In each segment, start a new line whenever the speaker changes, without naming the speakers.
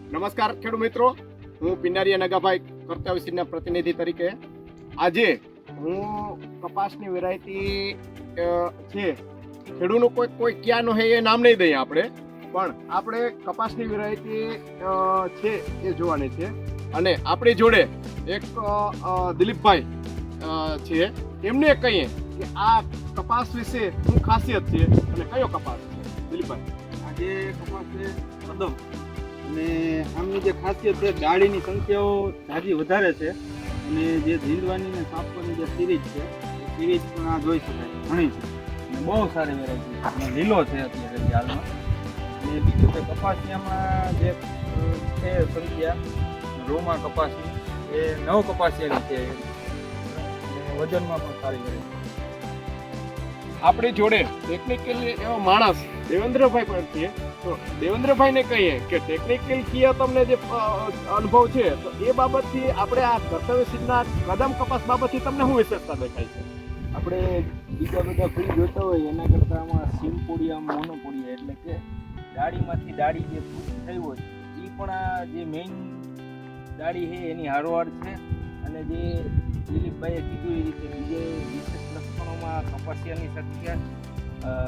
નમસ્કાર ખેડૂત મિત્રો, હું પિનારીયા નગાભાઈ કર્તવ્ય સીડના પ્રતિનિધિ તરીકે આજે હું કપાસની વેરાયટી છે ખેડૂતનું કોઈ ક્યાંનો હે એ નામ નહીં દઈએ આપણે, પણ આપણે કપાસની વેરાયટી છે એ જોવાની છે. અને આપણી જોડે એક દિલીપભાઈ છે, એમને કહીએ કે આ કપાસ વિશે શું ખાસિયત છે અને કયો કપાસ છે. દિલીપભાઈ,
આજે કપાસ છે કદમ, અને આમની જે ખાસિયત છે ડાળીની સંખ્યાઓ જાજી વધારે છે, અને જે ઝીંડવાની ને સાપવાની જે સિરીજ છે એ સિરીજ પણ આ જોઈ શકાય ઘણી છે, અને બહુ સારી વેરાયટી છે, અને લીલો છે અત્યારે હાલમાં. અને બીજું કે કપાસિયામાં જે છે સંખ્યા રોમા કપાસની એ 9 કપાસિયાની છે, અને વજનમાં પણ સારી વેરાયટી.
આપણી જોડે ટેકનિકલી એવો માણસ દેવેન્દ્રભાઈ પણ છે, તો દેવેન્દ્રભાઈને કહીએ કે ટેકનિકલ કીએ તમને જે અનુભવ છે તો એ બાબતથી આપણે આ કર્તવ્ય સીડના કદમ કપાસ બાબતથી તમને શું વિશેષતા દેખાય છે?
આપણે બીજા બધા ફૂલ જોતા હોય એના કરતાં આમાં સિમ્પોડિયા મોનોપોડિયા, એટલે કે ડાળીમાંથી ડાળી જે ફૂટ થઈ હોય એ પણ આ જે મેઇન ડાળી છે એની હારોહાર છે. અને જે દિલીપભાઈએ કીધું એ રીતે બીજે વિશેષ લક્ષણોમાં કપાસિયાની સંખ્યા,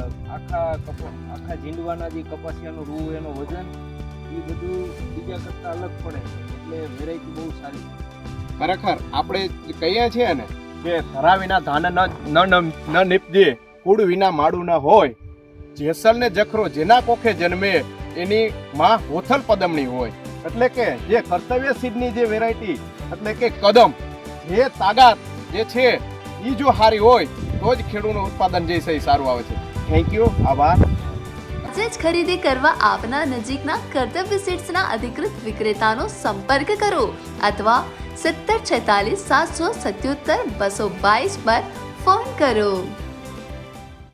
આખા ઝીંડવાના જે કપાસિયાનું રૂ એનું વજન એ બધું બીજા કરતાં અલગ પડે છે, એટલે વેરાયટી બહુ સારી છે.
ખરેખર આપણે કહીએ છીએ ને કે ધરા વિના ધાન ન નીપજે, કુળ વિના માળું ન હોય, જેસલ ને જખરો જેના કોખે જન્મે એની માં હોથલ પદમણી હોય. એટલે કે જે કર્તવ્ય સીડની જે વેરાયટી એટલે કે કદમ, જે તાકાત જે છે એ જો સારી હોય તો જ ખેડૂતનું ઉત્પાદન જે છે એ સારું આવે છે. થેન્ક યુ, આભાર.
આજે જ ખરીદી કરવા આપના નજીકના કર્તવ્ય સીડ્સના અધિકૃત વિક્રેતાનો સંપર્ક કરો અથવા 7046 777 222 પર ફોન કરો.